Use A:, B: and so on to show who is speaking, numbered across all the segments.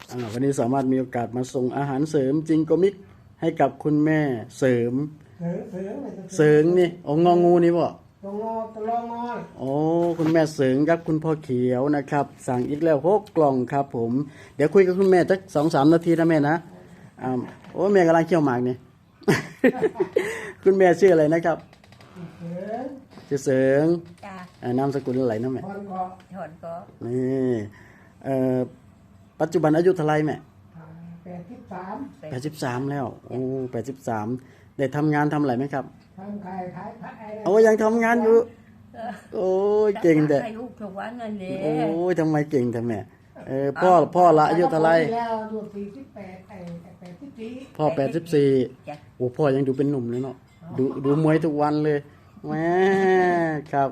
A: วันนี้สามารถมีโอกาสมาส่งอาหารเสริมจิงโกมิกให้กับคุณแม่เสริมเสริงนี่งองูนี่บ่โอ้คุณแม่เสริงครับคุณพ่อเขียวนะครับสั่งอีกแล้ว6 กล่องครับผมเดี๋ยวคุยกับคุณแม่สัก2-3 นาทีนะแม่นะโอ้แม่กำลังเคี่ยวหมากนี่ คุณแม่ชื่ออะไรนะครับชื่อเสริงนามสกุลอะไรนะแม่
B: ถอนก็
A: นี่ปัจจุบันอายุเท่าไรแม่83แล้วโอ้83ได้ทำงานทำอะไรไหมครับ
B: ทำขายผัด
A: โอ้ยังทำงานอยู่โอ้ยเก่งแต่
B: ลูกทุกวันนั่นเอง
A: โอ้ยทำไมเก่งแต่แม่พ่อละอายุเท่าไรพ่อ84โอ้พ่อยังดูเป็นหนุ่มเลยเนาะดูมวยทุกวันเลยแม่ครับ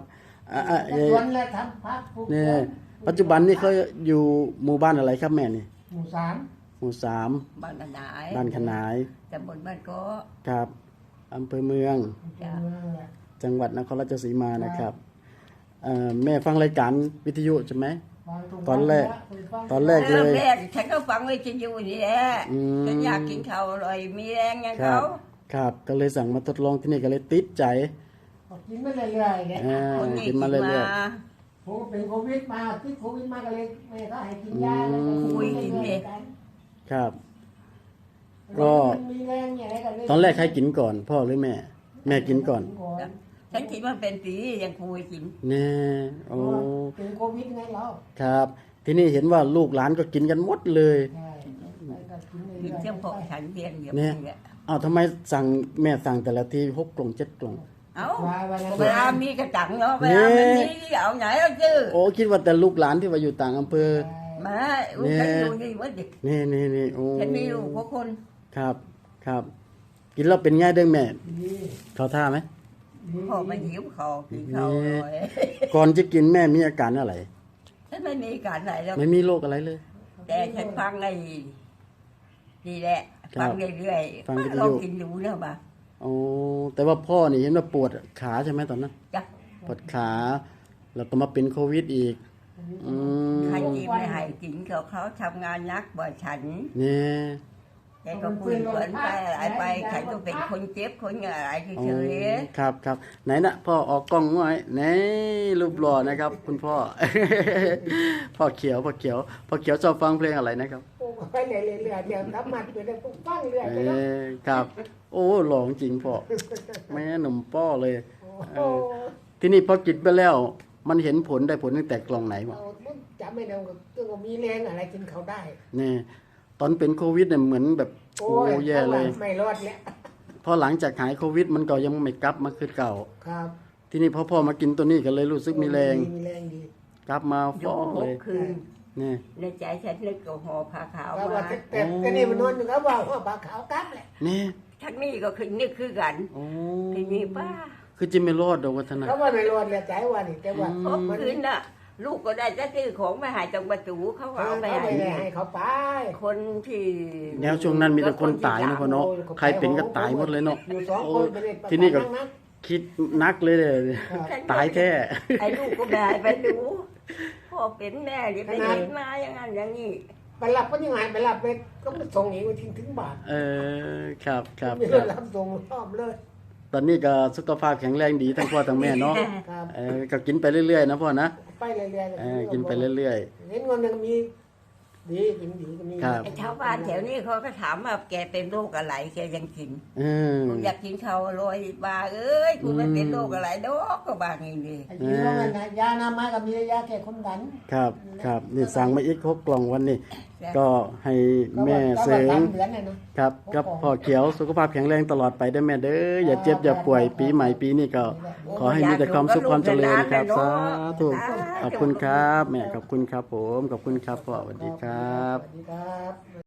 A: นี่ปัจจุบันนี่เขาอยู่หมู่บ้านอะไรครับแม่นี่
B: หมู่3บ้าน
A: ขนาย
B: ตำบลบ้านโก
A: ครับอำเภอเมืองจังหวัดนครราชสีมานะครับแม่ฟังรายการวิทยุใช่ไหมตอนแรกเลย
B: ฉันก็ฟังวิทยุนี่แหละฉันอยากกินข้าวอร่อยมีแรงอย่างเขา
A: ครับก็เลยสั่งมาทดลองที่นี่ก็เลยติดใจ
B: กินมาเรื่อยๆเนี่ย
A: กินมาเรื่อย
B: ๆผมเป็นโควิดมาติดโควิดมาก็เลยแม่ก็ให้กินยาคุยกินเลย
A: ครับก็ตอนแรกใครกินก่อนพ่อหรือแม่กินก่อน
B: ฉันคิดว่าเป็นปียังคุยกิน
A: เนี่ยโอ้
B: เป็นโควิดไงเรา
A: ครับที่นี่เห็นว่าลูกหลานก็กินกันหมดเลย
B: กินเชื่อมพอฉันเพียง
A: เนี่ยทำไมแม่สั่งแต่ละที6 กล่อง 7 กล่อง
B: เวลามีกระจังเนาะเวลาไม่มีเอาไหนเอาชื่อ
A: โอ้คิดว่าแต่ลูกหลานที่ว่าอยู่ต่างอำเภอ
B: มาฉันอยู่นี่ว่าดิ
A: นี่โอ้
B: ฉันมีลูก6 คน
A: ครับกินแล้วเป็นไงเด้อแม่เขาท่าไหม
B: พอมาหิวคอกินข้าวเลย
A: ก่อนจะกินแม่มีอาการอะไร
B: ฉันไม่มีอาการอะไรแล้ว
A: ไม่มีโรคอะไรเลย
B: แต่ฉันฟังไอ้นี่แหละฟังเรื่อยๆลองกินดูแล้วบ้าง
A: โอ้แต่ว่าพ่อนี่เห็นว่าปวดขาใช่ไหมตอนนั้นปวดขาแล้วก็มาเป็นโควิดอีก
B: ใครกินไม่ให้กินเขาทำงานนักบ่อยฉัน
A: เนี่ย
B: แกก็คุยเหมือนไปอะไรไปใครก็เป็นคนเจ็บคนอะไรเฉย
A: ๆครับไหนนะพ่อออกกล้องหน่อยไหนรูปหล่อนะครับคุณพ่อพ่อเขียวชอบฟังเพลงอะไรนะครับ
B: ไปเรื่อยๆเดี๋ยวน้ำมันไปได้ปุ๊บฟังเรื่อย
A: ครับโอ้หล่อจริงพ่อแม่หนุ่มป้อเลยที่นี่พอกินไปแล้วมันเห็นผลได้ผลตั้งแต่กล่องไหนวะ
B: จำไม่ได้ก็มีแรงอะไรกินเขาได้
A: นี่ตอนเป็นโควิดเนี่ยเหมือนแบบโอ้แย่เลย
B: ไม่รอดแล้ว
A: พอหลังจากหายโควิดมันก็ยังไม่กลับมาคือเก่า
B: ครับ
A: ที่นี่พ่อมากินตัวนี้ก็เลยรู้สึกมีแรง
B: ดี
A: กลับมาฟ้องเลย
B: นี่ในใจฉันนึกกับห่อผ้าขาวมาแต่นี่มันนอนอยู่ครับว่าห่อผ้าขาวกลับแหละ
A: นี่
B: ทั้งนี้ก็คือนึกคือกันที่นี่ป้า
A: คือจะไม่รอดดอกวัฒนา
B: เขาว่าไม่รอดเลยใจว่านี่แต่ว่าคืนน่ะลูกก็ได้จะซื้อของมาหายตรงประตูเขาเอาไปให้เขาไปคนที่
A: แล้วช่วงนั้นมีแต่คนตายนะพ่อเนาะใครเป็นก็ตายหมดเลยเนาะที่นี่ก็คิดนักเลยตายแท้
B: ไอ้ลูกก็ได้ไปดูพ่อเป็นแม่จะไปเห็นมาอย่างนั้นอย่างนี้ไปรับก็ยังไงไปรับไปก็มาส่งอีกมาถึงบ้าน
A: ครับ
B: ไม่รับส่งรอบเลย
A: ตอนนี้ก็สุขภาพแข็งแรงดีทั้งพ่อทั้งแม่เนาะก็กินไปเรื่อยๆนะพ่อนะ
B: ไปเรื่อย
A: ๆกินไปเรื่อย
B: ๆเห็นคนหนึ่งมีดีกินดีก็มีชาวบ้านแถวนี้เขาก็ถามว่าแกเป็นโรคอะไรแกยังกินกูอยากกินข้าวอร่อยบ้าเอ้ยกูไม่เป็นโรคอะไรดอกก็บางอย่างนี้ยาหน้าไม้กับมียาแก้คนดัน
A: ครับนี่สั่งมาอีก6 กล่องวันนี้ก็ให้แม่เสริมครับกับพ่อเขียวสุขภาพแข็งแรงตลอดไปได้แม่เด้ออย่าเจ็บอย่าป่วยปีใหม่ปีนี้ก็ขอให้มีแต่ความสุขความเจริญครับสาธุขอบคุณครับแม่ขอบคุณครับผมขอบคุณครับพ่อสวัสดีครับ